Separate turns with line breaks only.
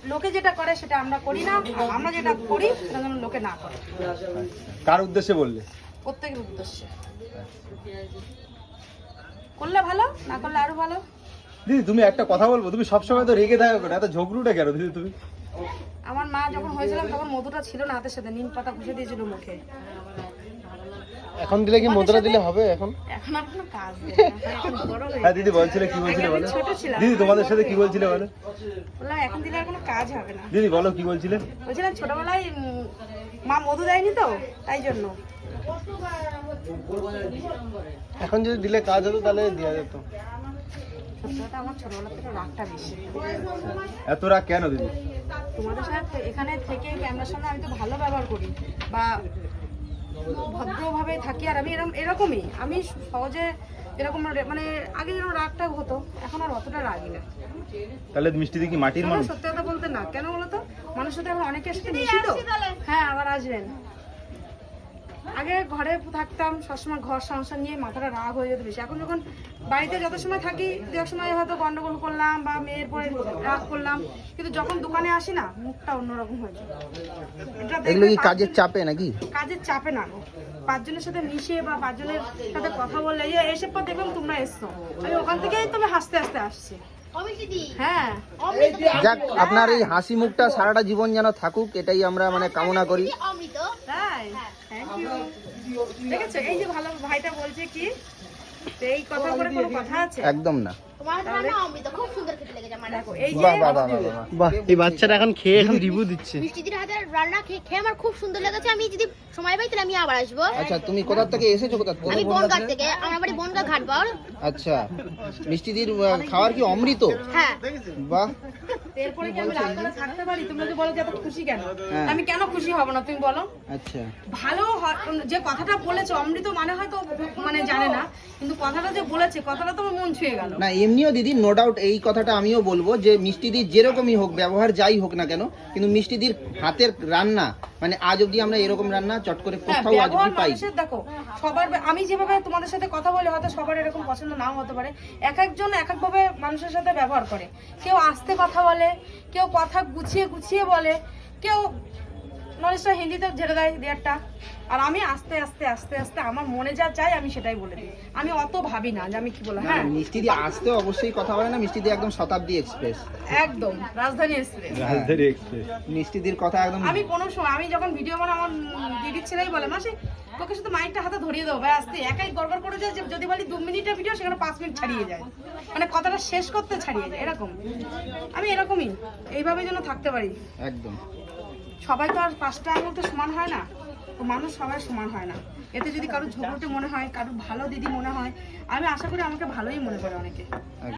লোকে যেটা করে সেটা আমরা করি না, আর আমরা যেটা করি সেটা যেন লোকে না করে।
কার উদ্দেশ্যে বললে?
প্রত্যেকের উদ্দেশ্যে করলে ভালো, না করলে আরো ভালো।
দিদি তুমি একটা কথা বলবো, তুমি সবসময় তো রেগে থাকো কেন, এত ঝগড়ুটা কেন দিদি তুমি?
আমার মা যখন হয়েছিলাম তখন মধুটা ছিল না হাতের সাথে, নিম পাতা ঘষে দিয়েছিল মুখে।
এখন দিলে কি মুদ্রা দিলে হবে? এখন
এখন আর কোনো কাজ নেই, এখন বড় হয়ে
হ্যাঁ দিদি বলছিলে, কি বলছিলে বলো
ছোট ছিলাম।
দিদি, তোমাদের সাথে কি বলছিলে বলো?
বললাম এখন দিলে আর কোনো কাজ হবে না।
দিদি বলো কি বলছিলে?
বলছিলাম ছোটবেলায় মা মধু দেয়নি তো, তাই জন্য।
এখন যদি দিলে কাজ হতো তাহলে দেওয়া যেত।
সত্যি কথা, আমার ছোটবেলা থেকে রাগটা বেশি।
এত রাগ কেন দিদি?
তোমাদের সাথে এখানে থেকে ক্যামেরার সামনে আমি তো ভালো ব্যবহার করি বা ভদ্রভাবে থাকি, আর আমি এরকমই। আমি সহজে এরকম মানে আগে যেরকম রাগটা হতো, এখন আর অতটা রাগি না।
তাহলে মিষ্টি দি কি মাটির মানুষ?
সত্যি কথা বলতে না, কেন বলতো, মানুষের সাথে এখন অনেকের সাথে মিশি তো। হ্যাঁ, আবার আসবেন। আগে ঘরে থাকতাম সবসময়, ঘর সংসার নিয়ে মাথাটা রাগ হয়ে যেত বেশি। এখন যখন বাড়িতে যত সময় থাকি, দু এক সময় হয়তো গন্ডগোল করলাম বা মেয়ের পরে রাগ করলাম, কিন্তু যখন দোকানে আসি না, মুখটা অন্যরকম হয়ে যায়।
এগুলো কি কাজের চাপে নাকি?
কাজের চাপে না, পাঁচজনের সাথে মিশে বা পাঁচজনের সাথে কথা বললে, এসে পর দেখলাম তোমরা এসছো, আমি ওখান থেকেই তুমি হাসতে হাসতে আসছি। হ্যাঁ,
যাক, আপনার এই হাসি মুখটা সারাটা জীবন যেন থাকুক, এটাই আমরা মানে কামনা করি।
তাই থ্যাংক ইউ। দেখেছো, এই যে ভালো ভাইটা বলছে কি, তো এই কথা করে কোনো কথা আছে?
একদম না।
দেখো, এই যে
বাহ বাহ বাহ বাহ, এই বাচ্চাটা এখন খেয়ে এখন রিভিউ দিচ্ছে।
মিষ্টিদির হাতে রান্না খেয়ে আমার খুব সুন্দর লেগেছে। আমি যদি সময় পাই তাহলে আমি আবার আসবো।
আচ্ছা, তুমি কোথা থেকে এসেছো? কোথা থেকে?
আমি বনগাঁ থেকে, আমার বাড়ি বনগাঁ ঘাটবাউল।
আচ্ছা, মিষ্টিদির খাওয়ার কি অমৃত?
হ্যাঁ,
বাহ।
এরপরে কি আমি রাগ করে থাকতে পারি? তুমি যদি বলো যে এত খুশি কেন,
হ্যাঁ।
আমি কেন খুশি হব না, তুমি বলো।
আচ্ছা,
ভালো যে কথাটা বলেছে, অমৃত মানে হয়তো মানে জানে না, কিন্তু কথাটা যে বলেছে, কথাটা তো আমার মন ছুঁয়ে গেল।
না এমনিও দিদি নো ডাউট এই কথাটা আমিও বলবো যে মিষ্টিদির যেরকমই হোক, ব্যবহার যাই হোক না কেন, কিন্তু মিষ্টিদির হাতের রান্না মানে আজ অবধি আমরা এরকম রান্না চট করে কোথাও আজ অবধি পাই।
মানুষের দেখো, সবার আমি যেভাবে তোমাদের সাথে কথা বলি, হয়তো সবার এরকম পছন্দ নাও হতে পারে। এক একজন এক এক ভাবে মানুষের সাথে ব্যবহার করে। কেউ আস্তে কথা বলে, কেউ কথা গুছিয়ে গুছিয়ে বলে, কেউ নলেজটা হিন্দিতে ঝেড়ে দেয় দেড়টা, আর আমি আস্তে আস্তে আস্তে আস্তে আমার মনে যা চাই আমি সেটাই বলে দিই। আমি অত ভাবি না যে আমি কি বলবো। হ্যাঁ,
মিষ্টিদি আসতে অবশ্যই কথা বলে না, মিষ্টিদি একদম শতাব্দী এক্সপ্রেস,
একদম রাজধানী এক্সপ্রেস।
রাজধানী এক্সপ্রেস।
মিষ্টিদির কথা একদম।
আমি কোনো সময়, আমি যখন ভিডিও বানাই, আমার দিদির ছেলেই বলে, মাসি তোকে শুধু মাইকটা হাতে ধরিয়ে দেবো ভাই, আসতে একাই গড়গড় করে যায়। যদি বলি 2 মিনিটের ভিডিও, সেখানে 5 মিনিট ছাড়িয়ে যায়, মানে কথাটা শেষ করতে ছাড়িয়ে যায়। এরকম আমি এরকমই, এইভাবে যেন থাকতে পারি।
একদম।
সবাই তো আর 5টা আঙুল তো সমান হয় না, তো মানুষ সবাই সমান হয় না। এতে যদি কারো ঝগড়টে মনে হয়, কারো ভালো দিদি মনে হয়, আমি আশা করি আমাকে ভালোই মনে করে অনেকে।